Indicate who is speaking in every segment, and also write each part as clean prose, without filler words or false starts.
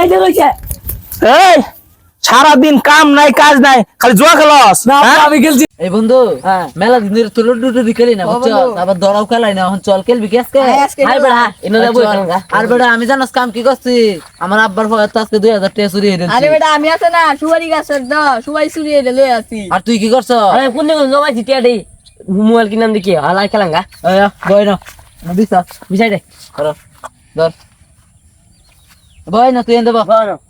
Speaker 1: আইতে রইছে
Speaker 2: এই সারাদিন কাম নাই কাজ নাই খালি জুয়া খেলস
Speaker 1: না আমি খেলছি
Speaker 3: এই বন্ধু মেলা দিন ধরে তোর লুডু খেলি না বুঝছো আবার দড়াও খেলাই না এখন চল খেলবি কি আজকে হাই বেড়া এনে যাবো আর বেড়া আমি জানোস কাম কি করছি আমার আব্বার ফলে তো আজকে 2000 টাকা চুরি হয়ে গেছে
Speaker 4: আরে বেটা আমি আছে না সুপারি গাছের দ সুপারি চুরি হয়ে লই আসি
Speaker 3: আর তুই কি করছ
Speaker 1: আরে কোন দিন জমাইছি টিয়াডি মোবাইল কিনাম দেখি আলাই খেলাঙ্গা
Speaker 3: বই না বিছা
Speaker 1: বিছাই দে
Speaker 3: ধর ধর বই না তুই এনে দেবো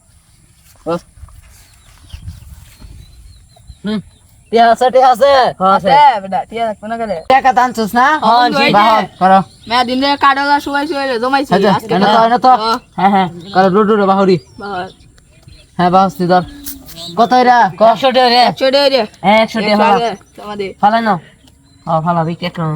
Speaker 3: টিয়া আছে
Speaker 4: আছে বেটা ঠিক আছে কোন গেলে
Speaker 3: টাকা টানছস না
Speaker 4: হ্যাঁ,
Speaker 3: বাহ করো
Speaker 4: মে দিন রে কাডলা সুপারি চুরি জমাইছি
Speaker 3: আচ্ছা
Speaker 4: আজকে
Speaker 3: এনে তো হ্যাঁ করো লুডু রে বাহুরি
Speaker 4: বাহ
Speaker 3: হ্যাঁ বাহস্তি ধর কত এরা
Speaker 1: 100 টাকা রে
Speaker 4: ছোড়ে রে
Speaker 1: 100 টাকা
Speaker 4: তোমাদের
Speaker 1: ফালাই না ফালাবি কেক না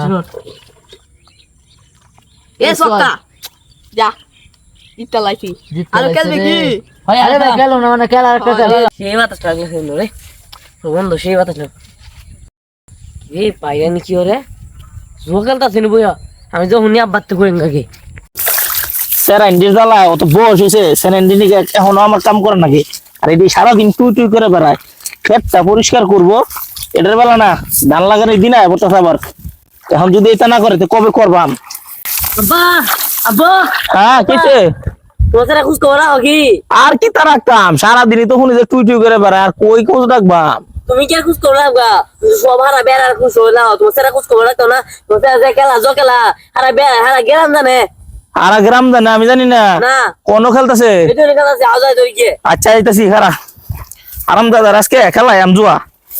Speaker 4: এ সক্কা যা ইটা লাইছি আর খেলবে কি
Speaker 1: হয়
Speaker 3: আরে ভাই গেল না মানে খেলা একটা খেলা
Speaker 1: সেই বাতাস লাগলে হইলো রে বন্ধু সেই বাতাস লাগ এই পাইয়ানি কি ওরে জোকালটা চিনি বইয়া আমি যখন আব্বাতে করেন নাকি
Speaker 2: স্যারেন্ডির জ্বালা অত বয়স হয়েছে স্যারেন্ডি এখনো আমার কাম করে নাকি আর এটি সারাদিন টুই টুই করে বেড়ায় ক্ষেতটা পরিষ্কার করবো এটার বেলা না ধান লাগানোর দিন আয় বলতে আবার এখন যদি এটা না করে তো কবে করবাম
Speaker 1: আব্বা আব্বা
Speaker 2: হ্যাঁ কিসে
Speaker 1: তোরা খুশ করা কি
Speaker 2: আর কি তার কাম সারাদিনই তখন যে টুই টুই করে বেড়ায় আর কই খোঁজ রাখবাম
Speaker 1: তুমি কি খুশ করা গা সব হারা বেড়ার খুশ হইলা তোরা খুশ করা তো না তোরা যে খেলা জকেলা হারা বেড়া হারা গেলাম জানে
Speaker 2: আর গ্রাম জানে আমি জানি না
Speaker 1: না
Speaker 2: কোন খেলতেছে
Speaker 1: এই তো খেলা আছে আওয়াজ ধরে গিয়ে
Speaker 2: আচ্ছা আইতাছি খারা আরাম দাদা আজকে খেলাই আম জুয়া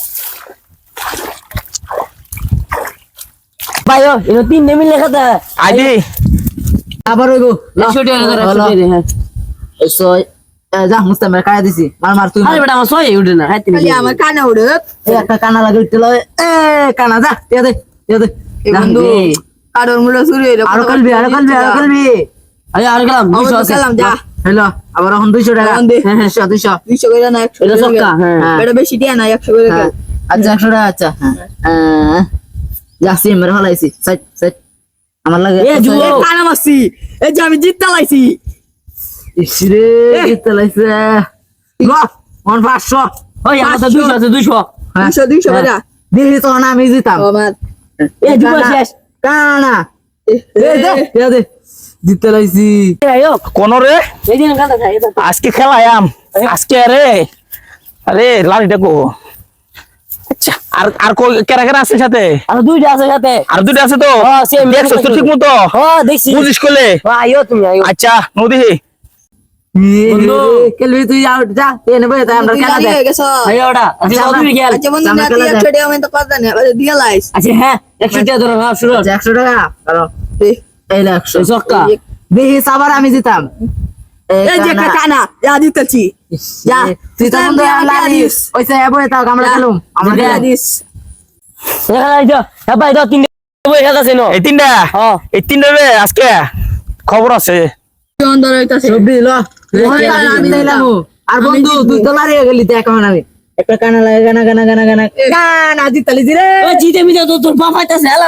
Speaker 1: ভাই ও এনো তিন নেমি লেখা দা
Speaker 2: আইডি
Speaker 3: আবার হইবো
Speaker 1: 100 টাকা ধরে 100 টাকা হ্যাঁ
Speaker 3: সই যা মুস্তামের কায়া দিছি মার তুই
Speaker 1: আরে বেটা আমার সই উঠে না হাতে
Speaker 4: খালি আমার কানে উড়ে
Speaker 3: এই একটা কানা লাগে উঠতে লয় কানা যা দিয়া দে
Speaker 4: এই বন্ধু কাডর মুড়া চুরি হইলো
Speaker 3: আরো কালবি
Speaker 1: আরে আর গেলাম 200 আছে
Speaker 4: গেলাম যা
Speaker 3: হ্যালো আবার এখন 200 টাকা
Speaker 4: এখন দে।
Speaker 3: হ্যাঁ 200
Speaker 4: 200 করে না 100
Speaker 1: এটা সক্কা হ্যাঁ
Speaker 4: বেটা বেশি দিয়া না 100 করে
Speaker 3: হ্যাঁ আচ্ছা 100 টাকা আচ্ছা যাচ্ছি মেরে ফলাইছি সাইড আমার লাগে
Speaker 1: এ জুও
Speaker 4: কানা মাসি এই যে আমি জিততে লাইছি
Speaker 3: ইসরে জিততে লাইছে বাহ মন 500
Speaker 1: ওই আমার তো 200 আছে 200
Speaker 4: 200 বেটা
Speaker 3: দিহি তো না আমি জিতাম
Speaker 4: আমার
Speaker 1: এ জুও শেষ
Speaker 3: কানা দে জিততে লাইছি
Speaker 1: আয়ো
Speaker 2: কোন রে
Speaker 1: এই দিন কাটা খাই
Speaker 2: আজকে খেলাই আম আজকে আরে লাড়িটা কো আচ্ছা আর আর কো কেরা কেরা আছে সাথে
Speaker 1: আর দুইটা আছে সাথে
Speaker 2: আর দুটো আছে তো
Speaker 1: হ্যাঁ সেম
Speaker 2: দেখছো তো ঠিক মতো
Speaker 1: দেখছি
Speaker 2: বুঝিস কোলে
Speaker 1: আয়ো তুমি আয়ো
Speaker 2: আচ্ছা নদী
Speaker 3: বন্ধু খেলবি তুই আউট যা তে নেবে তাই আমরা খেলা দে
Speaker 1: আয়ো ওটা আচ্ছা তুমি গেল
Speaker 4: আচ্ছা বন্ধু না তুই 100 টাকা আমি তো কথা না দিয়া লাইস
Speaker 1: আচ্ছা হ্যাঁ 100 টাকা ধরো হ্যাঁ শুরু
Speaker 3: 100 টাকা করো এই 100
Speaker 1: সক্কা
Speaker 3: দেহি সাবার আমি জিতাম
Speaker 4: এই যে কানা যা দিতেছি যা
Speaker 3: তুই তো বন্ধু লালিস ওইসে এবো তাও আমরা খেলুম আমরা
Speaker 4: দিয়া দিস
Speaker 1: এই তো হ্যাঁ ভাই তো তিন বই খেলা আছে নো
Speaker 2: এই তিনটা
Speaker 1: হ্যাঁ
Speaker 2: এই তিনটা রে আজকে খবর আছে
Speaker 4: অন্দর হইতাছে
Speaker 3: সবজি ল আমি দিলাম আর বন্ধু তুই তো লারিয়ে গেলি তো এখন আমি একটা কানা লাগে গানা জিতালি রে
Speaker 1: ও জিতে মিতে তো তোর বাপ আইতাছে হেলা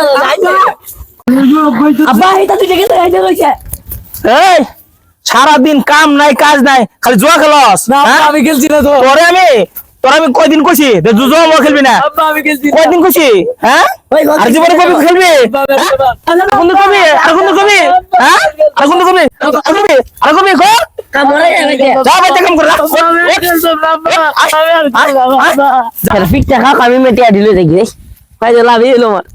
Speaker 1: আব্বা এটা তুই দেখে আইতে কইছে
Speaker 2: এই সারাদিন কাম নাই কাজ নাই খালি জুয়া খেলস
Speaker 1: না
Speaker 2: হ্যাঁ?
Speaker 1: আমি খেলছি না তো
Speaker 2: তোর আমি কয়দিন কইছি জুয়া মো খেলবি না
Speaker 1: আব্বা আমি খেলছি
Speaker 2: কয়দিন কইছি হ্যাঁ
Speaker 1: ওই
Speaker 2: আর জীবনে কবি খেলবি কোন কবি আর কোন কবি হ্যাঁ আর কোন কবি আর কবি কো
Speaker 1: কামড়ে যাবে
Speaker 2: যা বাইতে কাম কর
Speaker 1: ফিট টাকা আমি মেটিয়া দিলে দেখি ভাই লাভ এলো আমার